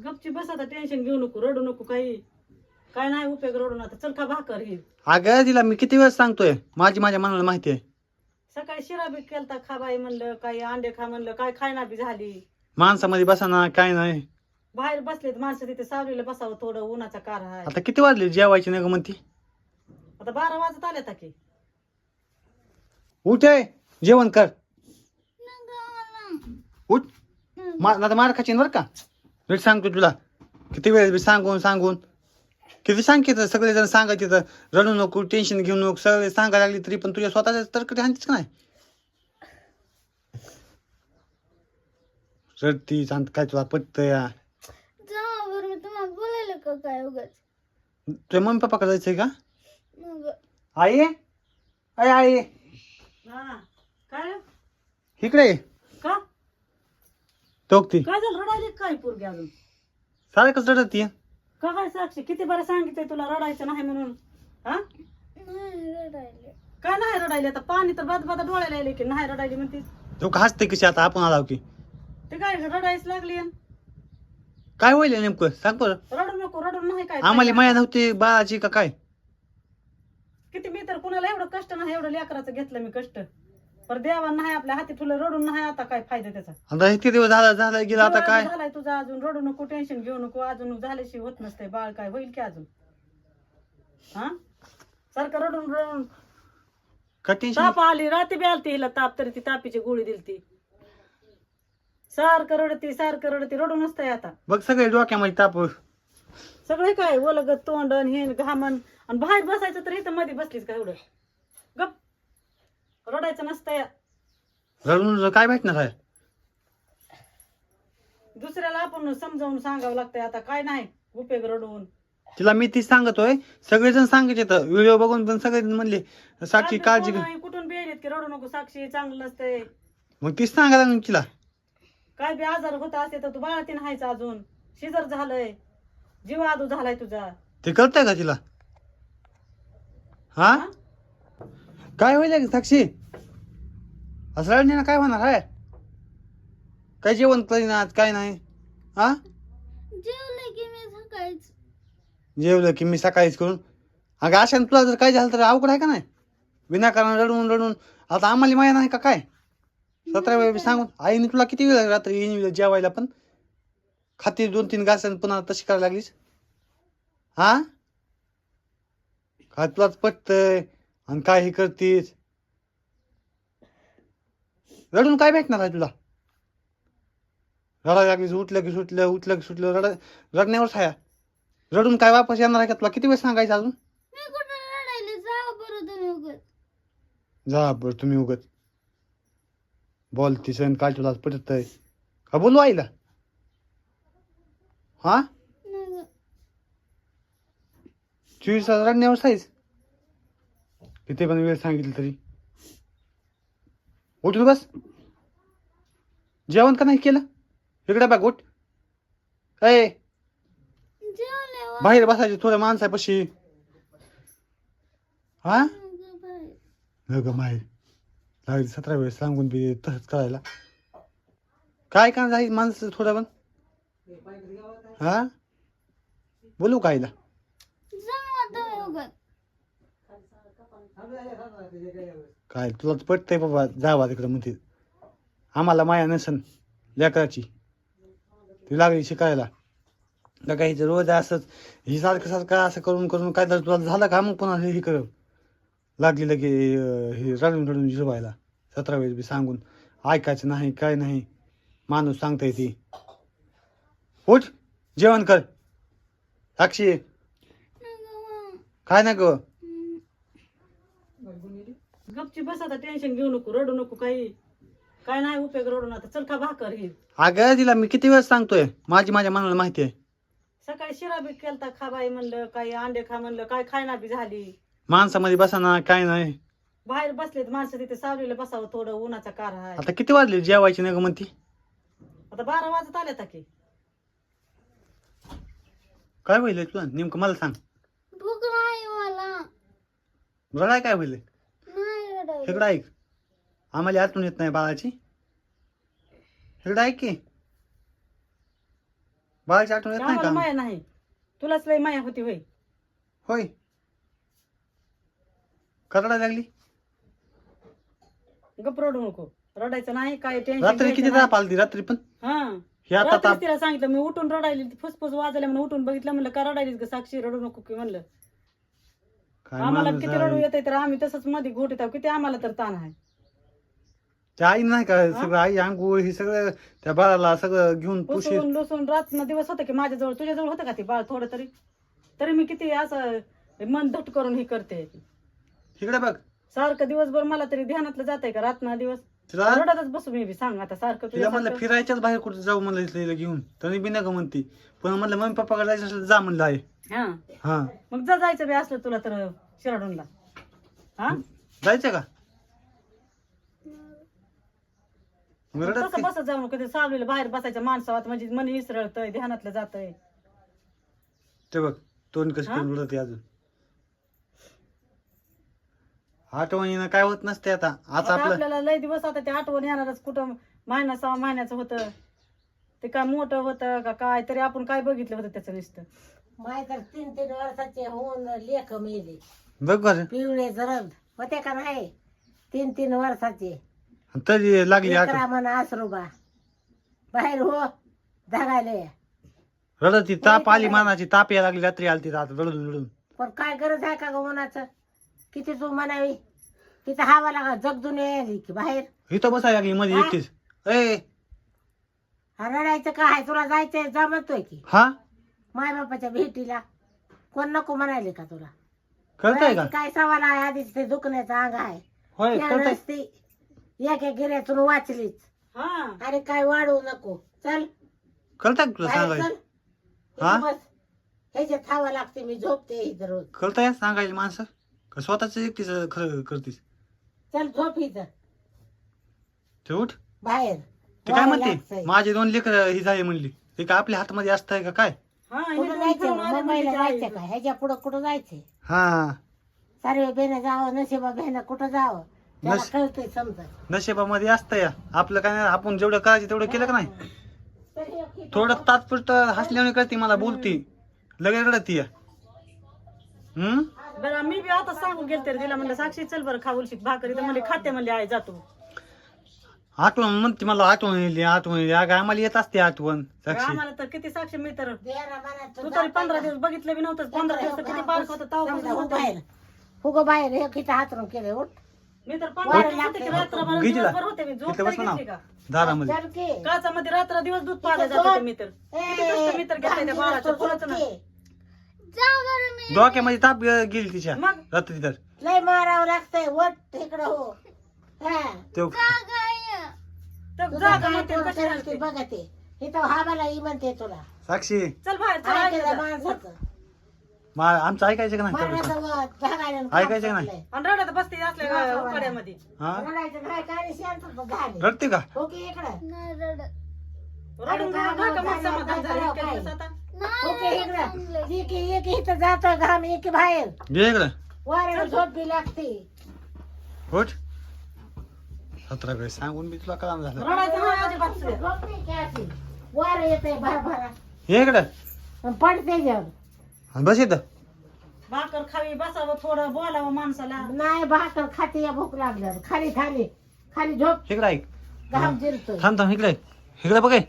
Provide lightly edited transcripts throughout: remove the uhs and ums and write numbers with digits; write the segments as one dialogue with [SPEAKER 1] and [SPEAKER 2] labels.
[SPEAKER 1] गपची बस आता, टेन्शन घेऊ नको, रडू नको, काही काय नाही उपयोग रडून. आता चल खा भाकर ही.
[SPEAKER 2] अगं तिला मी किती वेळ सांगतोय, माझ्या मनाला माहिती आहे.
[SPEAKER 1] सकाळी शिरा बी केलता, खा बाई म्हणलं, काही अंडे खा म्हणलं, काय खायना बी झाली.
[SPEAKER 2] माणसामध्ये बसाना काय नाही.
[SPEAKER 1] बाहेर बसलेत माणसं, तिथे सावलीला बसावं, थोडं उन्हाचा कार आहे.
[SPEAKER 2] आता किती वाजले जेवायची नाही ग म्हणती.
[SPEAKER 1] आता 12 वाजत आले की.
[SPEAKER 2] उठ आहे, जेवण कर. उठ. आता मार खाचीन बर का. नीट सांगतो तुला किती वेळेस बी सांगून किती सांगितलं. सगळेजण सांगायचे तर रडू नको, टेन्शन घेऊ नको, सगळे सांगायला लागली तरी पण तुझ्या स्वतःच्या तरकडे हाणतीस का नाही. रडती सांग काय तुला पटत या.
[SPEAKER 3] मी तुम्हाला बोलायला का काय उगाच.
[SPEAKER 2] तुझ्या मम्मी पप्पा जायचंय का.
[SPEAKER 3] मग
[SPEAKER 2] आई अय आई
[SPEAKER 1] हा काय
[SPEAKER 2] इकडे
[SPEAKER 1] का
[SPEAKER 2] तोक्ती
[SPEAKER 1] काय झालं, रडायली काय पोरगी अजून.
[SPEAKER 2] सारखंच रडती.
[SPEAKER 1] का काय साक्षी, किती बरं सांगितलंय तुला रडायचं नाही म्हणून. हा
[SPEAKER 3] नाही रडायले.
[SPEAKER 1] काय नाही रडायली, आता पाणी तर बद डोळ्याला यायले की नाही रडायली म्हणते.
[SPEAKER 2] तो का हसते कशी आता आपण आलाव की.
[SPEAKER 1] ते काय रडायच लागली.
[SPEAKER 2] काय होईल नेमकं सांग बरं.
[SPEAKER 1] रडू नको, रडून नाही काय.
[SPEAKER 2] आम्हाला माया नव्हती बाळाची का काय.
[SPEAKER 1] किती मी तर कुणाला एवढं कष्ट नाही, एवढं लेकराचं घेतलं मी कष्ट, पर देवा नाही आपल्या हाती ठुलं, रडून नाही आता काय फायदा त्याचा.
[SPEAKER 2] आता इतके दिवस झाला गेला आता काय.
[SPEAKER 1] झालाय तुझा अजून, रडू नको, टेन्शन घेऊ नको, अजून झाल्याशिवाय होत नसतंय बाळ, काय होईल की अजून. हा सारखं रडून
[SPEAKER 2] का टेन्शन.
[SPEAKER 1] ताप आली, रात्री बी आलती हिला ताप, तरी ती तापीची गोळी दिलती. सारखं रडती रडू नसतंय आता.
[SPEAKER 2] बघ सगळे डोक्यामध्ये ताप.
[SPEAKER 1] सगळे काय ओलगत तोंडन हे घामन, आणि बाहेर बसायचं तर इथं मध्ये बसलीच का एवढं. गप रडायचं नसतंय.
[SPEAKER 2] रडून काय भेटणार आहे.
[SPEAKER 1] दुसऱ्याला आपण समजावून सांगावं लागतंय, आता काय नाही उपयोग रडून.
[SPEAKER 2] तिला मी ती सांगतोय, सगळेजण सांगायचे तर व्हिडिओ बघून पण सगळे म्हणले साक्षी काळजी घे.
[SPEAKER 1] कुठून बेरीत की रडू नको साक्षी, चांगलं नसतंय.
[SPEAKER 2] मग तीच सांगायला लागली तिला.
[SPEAKER 1] काय बी आजार होत असते तर तू बाळातीन हायचं, अजून शिजर झालंय, जीवादू झालाय तुझा.
[SPEAKER 2] ते कळतंय का तिला. हा काय होईल साक्षी, असं रडण्याला काय होणार आहे. काय जेवण करीनात काय नाही. हा
[SPEAKER 3] जेवले की मी सकाळीच.
[SPEAKER 2] जेवलं की मी सकाळीच करून. अगं अशाने तुला जर काय झालं तर अवघड आहे का नाही. विनाकारण रडून आता आम्हाला माया नाही का काय. 17 वेळा सांगून आईने तुला किती वेळ रात्री येईन जेवायला पण खाती 2-3 घास पुन्हा तशी करायला लागलीस. हा काय तुलाच पटतंय आणि काय हे करतीस. रडून काय भेटणार आहे तुला. रडायला लागलीस, उठलं की सुटलं रडण्यावरच आहे. रडून काय वापस येणार आहे का तुला किती वेळ सांगायचं अजून.
[SPEAKER 3] मी कुठं रडायले, जा बरं तुम्ही उगाच.
[SPEAKER 2] जा बरं तुम्ही उगत बोलतीस आणि काय तुला पटतंय का बोलू आईला. हा
[SPEAKER 3] नाही ग.
[SPEAKER 2] 24 तास रडण्यावर साईज किती पण वेळ सांगितलं तरी. उठून बस. जेवण का नाही केलं. इकडे बघ उठ. ए
[SPEAKER 3] जेवले
[SPEAKER 2] बाहेर बसायचे थोड्या माणसापाशी. हा ग माय लागली 17 वेळेस सांगून बी तसंच करायला. काय का जाईल माणसं थोडं पण. हा बोलू का आईला.
[SPEAKER 3] जा तुम्ही उगाच.
[SPEAKER 2] काय तुला पटतंय बाबा जावा तिकडं म्हणते. आम्हाला माया नसन लेकराची, ती लागली शिकायला. का काही रोज असंच ही सारखं असं करून काय तर तुला झालं का मग पुन्हा हे कर लागली लगे हे रडून झोपायला. 17 वेळेस बी सांगून ऐकायचं नाही काय नाही. माणूस सांगताय ती. उठ जेवण कर साक्षी. काय ना ग.
[SPEAKER 1] गपची बस आता, टेन्शन घेऊ नको, रडू नको, काही काय नाही उपयोग रडून. आता चल खा भाकर ही.
[SPEAKER 2] अगं तिला मी किती वेळ सांगतोय, माझ्या मनाला माहिती आहे.
[SPEAKER 1] सकाळी शिरा बी केलता, खा बाई म्हणलं, काही अंडे खा म्हणलं, काय खायना बी झाली.
[SPEAKER 2] माणसामध्ये बसाना काय नाही.
[SPEAKER 1] बाहेर बसलेत माणसं, तिथे सावलीला बसावं, थोडं उन्हाचा कार आहे.
[SPEAKER 2] आता किती वाजले जेवायची नाही ग म्हणती.
[SPEAKER 1] आता 12 वाजत आले की.
[SPEAKER 2] काय होईल तुला नेमकं मला सांग.
[SPEAKER 3] भूक नाही मला.
[SPEAKER 2] रडाय काय होईल.
[SPEAKER 3] नाही रडायले.
[SPEAKER 2] इकडं ऐक, आम्हाला आतून येत नाही बाळाची. इकडं ऐक की बाळाची आठवण येत नाही
[SPEAKER 1] आम्हाला
[SPEAKER 2] का
[SPEAKER 1] माया नाही, तुलाच लय माया होती होय.
[SPEAKER 2] होय करडा लागली
[SPEAKER 1] गप रडू नको, रडायचं नाही, काय
[SPEAKER 2] रात्री किती ताप आलती रात्री पण
[SPEAKER 1] हा
[SPEAKER 2] हे आता
[SPEAKER 1] रात्रीच
[SPEAKER 2] ताप
[SPEAKER 1] तिला सांगितलं मी, उठून रडायली, फुसफुस वाजल्या म्हणून उठून बघितलं, म्हणलं का रडायलीस ग साक्षी, रडू नको की म्हणलं.
[SPEAKER 2] काय
[SPEAKER 1] आम्हाला
[SPEAKER 2] माणूस
[SPEAKER 1] किती रडू
[SPEAKER 2] आहे.
[SPEAKER 1] येते तर आम्ही तसंच मध्ये घोट येतो, किती आम्हाला तर ताण आहे.
[SPEAKER 2] त्या आई नाही का सगळं आई अंघोळ हे सगळं त्या बाळाला सगळं घेऊन पुशीर
[SPEAKER 1] पुसून लुसून रात्र दिवस होतं की माझ्याजवळ, तुझ्याजवळ होतं का ते बाळ थोडं तरी, तरी मी किती असं मन धट करून हे करते.
[SPEAKER 2] इकडे बघ
[SPEAKER 1] सारखं दिवसभर मला तरी ध्यानातलं जातंय का रात्र दिवस,
[SPEAKER 2] तिला
[SPEAKER 1] रडतच बसू मी बी, सांग आता सारखं
[SPEAKER 2] तिला म्हणलं
[SPEAKER 1] तुझ्या
[SPEAKER 2] फिरायच्याच बाहेर कुठे जाऊ म्हणलं इथलं घेऊन, तरी बी नका म्हणती, पण म्हणलं मम्मी पप्पाकडे जायचं असलं तर जा म्हणलं आहे.
[SPEAKER 1] हा
[SPEAKER 2] हा
[SPEAKER 1] मग जा, जायचं बी असलं तुला तर शिराडूनला. हा
[SPEAKER 2] जायचं का मग रडत
[SPEAKER 1] तसं बसत जाऊ नको, कधी सावलीला बाहेर बसायचं माणसावात, म्हणजे मन इसरळतंय, ध्यानातलं जातंय.
[SPEAKER 2] ते बघ तोंड कसं
[SPEAKER 1] हा?
[SPEAKER 2] करून रडते अजून. आठवणीनं काय होत नसते आता आता
[SPEAKER 1] आता
[SPEAKER 2] आपलं
[SPEAKER 1] आपल्याला लय दिवस आता ते आठवण येणारच, कुठं महिना 6 महिन्याचं होतं ते, काय मोठं होतं का काय तरी, आपण काय बघितलं होतं त्याचं नुसतं.
[SPEAKER 4] माय तर 3-3 वर्षाचे होऊन लेख मेले,
[SPEAKER 2] बघ बरं
[SPEAKER 4] पिवळे जरद होते का नाही, 3-3 वर्षाचे
[SPEAKER 2] तरी लागली आठ
[SPEAKER 4] लेकरा म्हणा आसरोबा बाहेर हो धागायले.
[SPEAKER 2] रडती ताप आली मानाची, ताप यायला लागली रात्री आली आता रडून रडून.
[SPEAKER 4] पण काय गरज आहे का ग उन्हाचं, किती तू म्हणावी, तिथं हवा लागा जगदून यायली की बाहेर.
[SPEAKER 2] इथं बसायला लागली मध्ये
[SPEAKER 4] हा?
[SPEAKER 2] एकटीच. ए
[SPEAKER 4] हा, रडायचं काय, तुला जायचंय जमतोय की
[SPEAKER 2] हा
[SPEAKER 4] माय बापाच्या भेटीला, कोण नको म्हणायले का तुला.
[SPEAKER 2] कळतंय का
[SPEAKER 4] रडायची काय सवाल आहे, आधीच ते दुखण्याचं अंग आहे,
[SPEAKER 2] होय कळतंय.
[SPEAKER 4] त्यानंच ती एका गिऱ्यातून वाचलीच,
[SPEAKER 1] हा
[SPEAKER 4] आणि काय वाढवू नको, चल
[SPEAKER 2] कळतंय का तुला
[SPEAKER 4] बाहेर
[SPEAKER 2] सांगायचं
[SPEAKER 4] चल.
[SPEAKER 2] हा?
[SPEAKER 4] इथं बस, ह्याच्यात थावा लागते, मी झोपते इथं रोज.
[SPEAKER 2] कळतंय सांगायची माणसं का स्वतःच एकटीच खरं करतीस.
[SPEAKER 4] चल झोप इथं
[SPEAKER 2] ते उठ
[SPEAKER 4] बाहेर.
[SPEAKER 2] ते काय
[SPEAKER 4] वारं
[SPEAKER 2] म्हणते
[SPEAKER 4] लागतंय.
[SPEAKER 2] माझे 2 लेकर ही झाली म्हणली, ते काय आपल्या हातामध्ये असतंय का काय.
[SPEAKER 1] हा हे
[SPEAKER 4] कुठं
[SPEAKER 1] दोन
[SPEAKER 4] जायचं
[SPEAKER 1] फिरून
[SPEAKER 4] मग?
[SPEAKER 1] आले
[SPEAKER 4] मुंबईला
[SPEAKER 1] म्हणजे
[SPEAKER 4] जायचं का, ह्याच्या पुढं कुठं जायचंय.
[SPEAKER 2] हा
[SPEAKER 4] सारे बेनं जावं, नशिबा बेनं कुठं जावं, त्याला
[SPEAKER 2] नस-
[SPEAKER 4] कळतंय समजा.
[SPEAKER 2] नशिबामध्ये असतं या आपलं काय नाही, आपण जेवढं करायचं तेवढं केलं का नाही.
[SPEAKER 4] तर हे इथं
[SPEAKER 2] थोडं तात्पुरतं हसल्याने कळती मला, बोलती लगेच रडती.
[SPEAKER 1] बरं मी बी आता सांगून गेलते रे तिला, म्हणलं साक्षी चल बरं खा उलशीत भाकरी, तर म्हणले खाते म्हणले आई जातो.
[SPEAKER 2] आठवण म्हणते मला, आठवण येईल आठवण येईल. अगं आम्हाला येत असते आठवण साक्षी.
[SPEAKER 1] आम्हाला तर किती साक्षी, मी तर
[SPEAKER 4] देरा मनात
[SPEAKER 1] तू
[SPEAKER 4] तू
[SPEAKER 1] तरी
[SPEAKER 4] जात
[SPEAKER 1] 15
[SPEAKER 4] नाही
[SPEAKER 1] दिवस बघितलं बी नव्हतं, 15 दिवस तर किती बारक होतं
[SPEAKER 4] समजा, हो
[SPEAKER 1] तेव्हा
[SPEAKER 4] बाहेर हो गं बाहेर, हे किती हातरून केले, उठ
[SPEAKER 1] मी तर 15 दिवस होते की रात्रभर
[SPEAKER 2] घे तिला.
[SPEAKER 1] दिवसभर होते मी, झोप
[SPEAKER 2] तिथं
[SPEAKER 1] तरी
[SPEAKER 2] बस म्हणा
[SPEAKER 1] घेतली का
[SPEAKER 2] दारामध्ये.
[SPEAKER 4] चल की.
[SPEAKER 1] काचामध्ये रात्र दिवस दूध पाहायला जात होते मी तर. किती कष्ट मी तर घेतलंय त्या बाळाचं, कोणाचं नाही.
[SPEAKER 3] जा बरं मी.
[SPEAKER 2] डोक्यामध्ये ताप गेली तिच्या
[SPEAKER 1] मग
[SPEAKER 2] रात्री तर
[SPEAKER 4] लय मारावं लागतंय, वट इकडं हो. हा.
[SPEAKER 2] तो
[SPEAKER 3] काय?
[SPEAKER 1] तर
[SPEAKER 4] तुझं
[SPEAKER 1] जा
[SPEAKER 4] काय
[SPEAKER 1] गं म्हणते,
[SPEAKER 4] पोर
[SPEAKER 1] कशी
[SPEAKER 4] करेल
[SPEAKER 1] घालते.
[SPEAKER 4] ती बघा ते. इथं हा मला ही म्हणते तुला.
[SPEAKER 2] साक्षी
[SPEAKER 1] चल बाहेर चल,
[SPEAKER 4] ऐकायचं
[SPEAKER 1] ऐकायचं.
[SPEAKER 4] माणसाचं.
[SPEAKER 2] आमचं ऐकायचं का नाही तेवढं?
[SPEAKER 4] मारण्याचं वट, धागायला आणि
[SPEAKER 2] ऐकायचं नाही.
[SPEAKER 4] कापसातलंय.
[SPEAKER 1] आणि रडत बसते असल्या उकाड्यामध्ये.
[SPEAKER 2] हा
[SPEAKER 4] रडायचं काय, काय शांत झाले.
[SPEAKER 2] रडते का
[SPEAKER 4] हो की इकडं.
[SPEAKER 3] नाही रडत.
[SPEAKER 1] रडून
[SPEAKER 4] काय
[SPEAKER 1] रडून नका मग
[SPEAKER 4] काय
[SPEAKER 1] समाधान झालं
[SPEAKER 4] काय
[SPEAKER 1] इतक्या
[SPEAKER 4] काय?
[SPEAKER 1] दिवस आता.
[SPEAKER 4] हो की
[SPEAKER 3] नाही
[SPEAKER 4] इकडं.
[SPEAKER 3] चांगलंय.
[SPEAKER 4] एक इथं जातोय घाम, एक बाहेर.
[SPEAKER 2] घे इकडं
[SPEAKER 4] वाऱ्याला झोप बी लागते.
[SPEAKER 2] होट 17 वेळेस सांगून मी तुला काम झालं.
[SPEAKER 1] रडायचं नाही अजिबात सुद्धा.
[SPEAKER 4] झोप नाही की अशी. वारं येतंय भरभरा.
[SPEAKER 2] ये इकडं
[SPEAKER 4] आणि पडते जेवण.
[SPEAKER 2] आणि बस इथं.
[SPEAKER 1] भाकर खावी, बसावं थोडं, बोलावं माणसाला.
[SPEAKER 4] नाही भाकर खाते या भूक लागल्यावर. खाली खाली खाली झोप.
[SPEAKER 2] इकडं ऐक.
[SPEAKER 4] घाम जिरतोय.
[SPEAKER 2] थांब थांब इकडे इकडे बघ हे.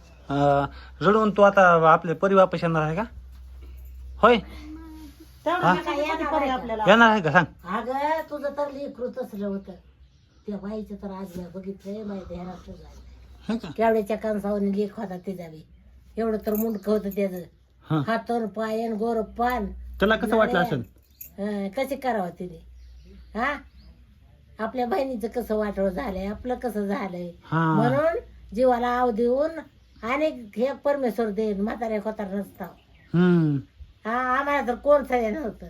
[SPEAKER 2] रडून तू आता आपले परिवार पैसे येणार आहे का? होय
[SPEAKER 1] तेवढं
[SPEAKER 2] हा?
[SPEAKER 1] नका किती पडे आपल्याला.
[SPEAKER 2] येणार आहे का सांग.
[SPEAKER 4] अगं तुझं तर लेकरू तसलं होतं. त्या बाईचं तर आज मी बघितलंय माहिती ह्याला तुझा
[SPEAKER 2] हे का?
[SPEAKER 4] केवड्याच्या कणसावरून लेख होता ते जावी. एवढं तर मुंडकं होतं त्याचं.
[SPEAKER 2] हा
[SPEAKER 4] हातून पायन गोर पान.
[SPEAKER 2] त्याला कसं वाटलं असेल?
[SPEAKER 4] कसे करावं तिने. हा आपल्या बहिणीचं कसं वाटोळ झालंय, आपलं कसं झालंय.
[SPEAKER 2] हा
[SPEAKER 4] म्हणून जीवाला आव देऊन अनेक हे परमेश्वर देईन म्हाताऱ्या खोतार नसता. हा आम्हाला तर कोण सगळं नव्हतं.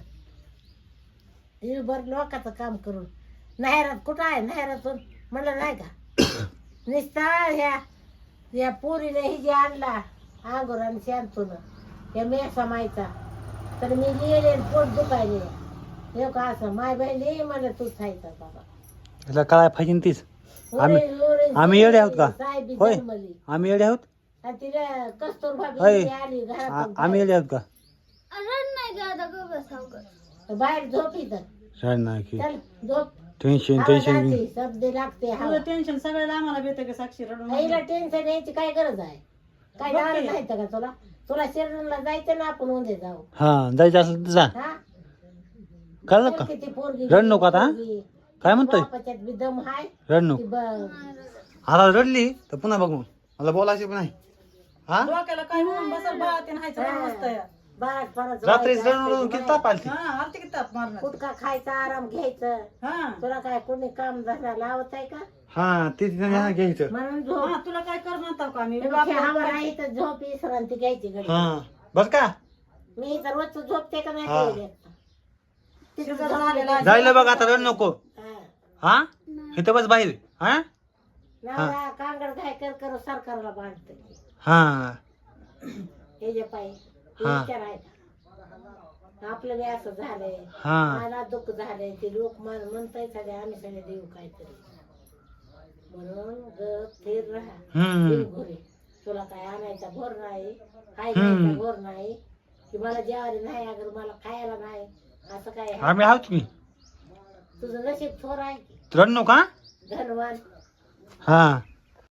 [SPEAKER 4] बरं लोकांचं काम करून नाहेरात कुठं आहे, नाहेरातून म्हणलं नाही का निस्ता ह्या पोरीने ही जे आणला आंगोर आणि शांतून या मेसा मायचा, तर मी लिहिले पोट दुखायले. हे का असं माय बहिणी मला तूच खायचा बाबा.
[SPEAKER 2] त्याला काय पाहिजे तीच. आम्ही येडे आहोत का? होय आम्ही येडे आहोत.
[SPEAKER 4] आणि तिला कस्तुरबा
[SPEAKER 2] अय,
[SPEAKER 4] बिबी आली घरात
[SPEAKER 2] आम्ही येले आहोत का
[SPEAKER 3] रड नाही का आता गं बस अवघड.
[SPEAKER 4] बाहेर झोप इथं
[SPEAKER 2] छान नाही की
[SPEAKER 4] चल झोप
[SPEAKER 2] टेन्शन
[SPEAKER 4] हवा
[SPEAKER 2] टेन्शन
[SPEAKER 4] जाते, शब्द लागते हवा
[SPEAKER 1] तुझं टेन्शन सगळ्याला आम्हाला भेटतं का साक्षी रडून
[SPEAKER 4] आईला टेन्शन यायची काय गरज आहे काय
[SPEAKER 1] बघ
[SPEAKER 4] जाणं
[SPEAKER 1] की.
[SPEAKER 4] नाही का तुला तुला शिर्डीला जायचं ना आपण उद्या जाऊ
[SPEAKER 2] हा जायचं असेल तर जा
[SPEAKER 4] हा
[SPEAKER 2] कळलं
[SPEAKER 4] चल
[SPEAKER 2] का
[SPEAKER 4] किती पोरगी
[SPEAKER 2] रड नको आता, हा?
[SPEAKER 4] पोरगी.
[SPEAKER 2] काय म्हणतोय
[SPEAKER 4] बापाच्यात बी दम हाय
[SPEAKER 2] रड नको
[SPEAKER 4] ती
[SPEAKER 2] आता रडली तर पुन्हा बघ मग मला बोलायचं पण नाही हा
[SPEAKER 1] डोक्याला काय होऊन बसल बा ते नाहीचं मस्त
[SPEAKER 4] बाळात परत
[SPEAKER 2] रात्रीच
[SPEAKER 4] झोपायचं
[SPEAKER 2] रडून रडून
[SPEAKER 4] असते
[SPEAKER 2] किती ताप आलती
[SPEAKER 1] हा आलती की ताप मारणार
[SPEAKER 4] गुटखा खायचा आराम घ्यायचं
[SPEAKER 1] हा
[SPEAKER 4] तुला काय कोणी काम धंदा लावत आहे का
[SPEAKER 2] हा ते तिथे घ्यायचं
[SPEAKER 4] म्हणून झोप
[SPEAKER 1] हा तुला काय कर म्हणताव का आम्ही
[SPEAKER 4] हवा नाही तर झोप विश्रांती घ्यायची घडी
[SPEAKER 2] हा बस का
[SPEAKER 4] मी इथं रोज झोपते का नाही
[SPEAKER 2] हा.
[SPEAKER 4] कळलं. तिथं
[SPEAKER 1] तिथं
[SPEAKER 4] झोपते
[SPEAKER 1] झालेलं
[SPEAKER 4] का?
[SPEAKER 1] आहे.
[SPEAKER 2] जायला बघ आता रड नको
[SPEAKER 4] हा.
[SPEAKER 2] हा इथं बस बाहेर हा
[SPEAKER 4] नवरा कांगड काय कर सरकारला बांधते
[SPEAKER 2] हा
[SPEAKER 4] हे जे पाय
[SPEAKER 2] हा.
[SPEAKER 4] विचार आहे आपलं बी असं झालंय
[SPEAKER 2] हा
[SPEAKER 4] मला दुःख झालंय ते लोक म्हणताय सगळे आम्ही सगळे देऊ काहीतरी म्हणून गप स्थिर राहा
[SPEAKER 2] हम्म
[SPEAKER 4] देव घरी तुला काय आणायचा भोर नाही काय घ्यायचा भोर नाही की मला जेवायला नाही अगर मला खायला नाही असं काय आहे?
[SPEAKER 2] आम्ही आहोत की
[SPEAKER 4] तुझं नशीब थोर आहे की
[SPEAKER 2] रड नको हा
[SPEAKER 4] धनवान
[SPEAKER 2] हा